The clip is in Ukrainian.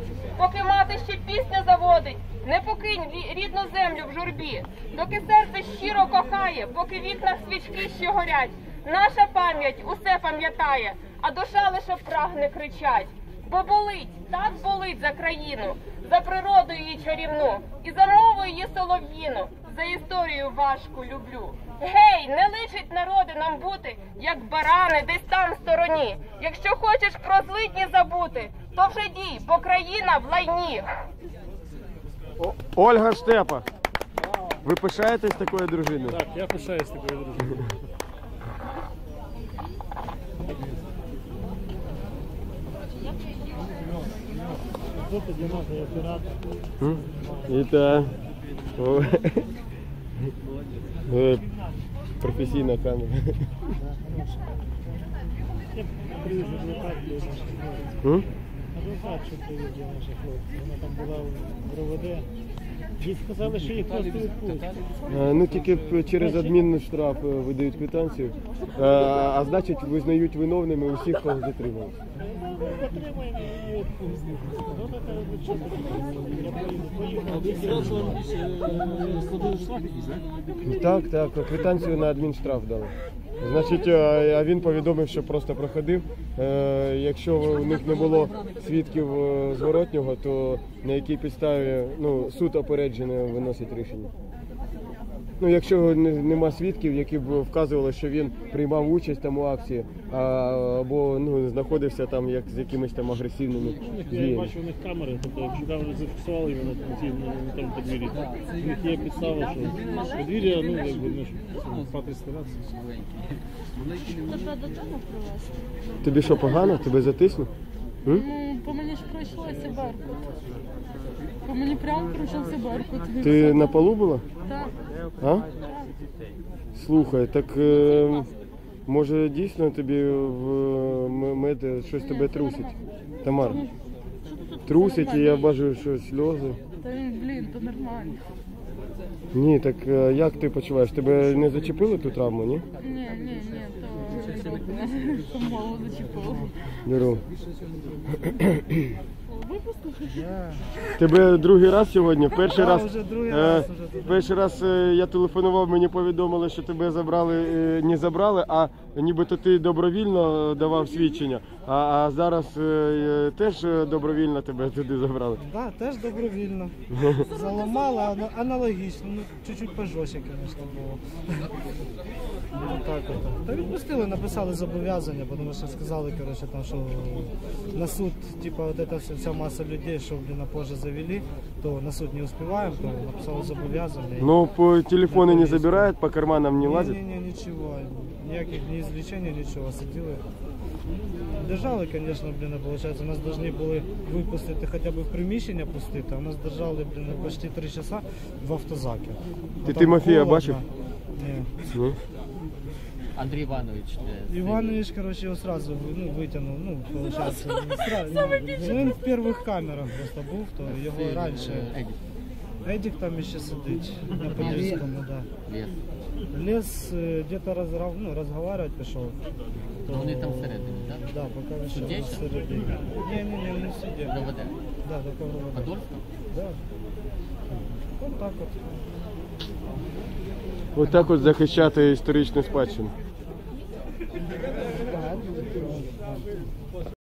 Поки мати ще пісню заводить, не покинь рідну землю в журбі. Доки серце щиро кохає, поки в вікнах свічки ще горять. Наша пам'ять усе пам'ятає, а душа лише прагне кричать. Бо болить, так болить за країну, за природу її чарівну, і за мову її солов'їну, за історію важку люблю. Гей, не личить народи нам бути, як барани десь там в стороні. Якщо хочеш про злидні забути, то вже дій, бо країна в лайні. Ольга Штепа, ви пишаєтесь такою дружиною? Так, я пишаюсь такою дружиною. Это професійна камера. Адвокат, що привіз для наших хлопців. Вона там була в РОВД. Їй сказали, що їх просто відпустять. Ну тільки через адмінштраф видають квитанцію, а значить визнають виновними усіх, кого затримали. Отримаємо і відпустимо. Вона каже, що поїхав. Так, квитанцію на адмінштраф дали. Значить, а він повідомив, що просто проходив. Якщо у них не було свідків зворотнього, то на якій підставі суд опереджений виносить рішення. Якщо нема свідків, які б вказували, що він приймав участь там у акції, або знаходився там з якимись там агресивними діями. Я бачу, у них камери, тобто якщо камери зафіксували його на тому подвір'ї, у них є підстава, що подвір'я, якби, спати старатися. Тебе додому привезти? Тобі що, погано? Тебе затиснув? По мені ж пройшлося Беркут. По мені прямо пройшовся Беркут. Ти на полу була? Так. А? Слухай, так може дійсно тобі в мед щось тебе трусить? Тамар, трусить і я бачу, що сльози. Та він, то нормально. Ні, так як ти почуваєш? Тебе не зачепили ту травму, ні? Ні, то мало зачепило. Беру. Випустили? Тебе другий раз сьогодні? Перший раз вже. Я телефонував, мені повідомили, що тебе не забрали, а нібито ти добровільно давав свідчення. А зараз теж добровільно тебе туди забрали? Так, теж добровільно. Заламали, аналогічно, чуть-чуть пожорстче, звісно, було. Та відпустили, написали зобов'язання, тому що сказали, що на суд, вся масса людей, что на позже завели, то на суд не успеваем, то написал зобовязание. Но по телефону не забирают, по карманам не лазят? Не, ничего, никаких ни извлечений, ничего, сидели. Держали, конечно, получается, нас должны были выпустить хотя бы в приміщення пустити, а нас держали, почти 3 часа в автозаке. Ти Тимофія бачив? Ні. Андрій Іванович. Иванович, его сразу вытянул, получается, він в первых камерах просто був, то його раніше. Едік там ще сидить, на Подільському, да. Лес где-то розговаривать пішов. Вони там всередині, так? Да, поки ще всередині. Ні, не в суді. ДВД? Да, до КВД. Подольська? Да. Вот так от. Ось так от захищати історичну спадщину.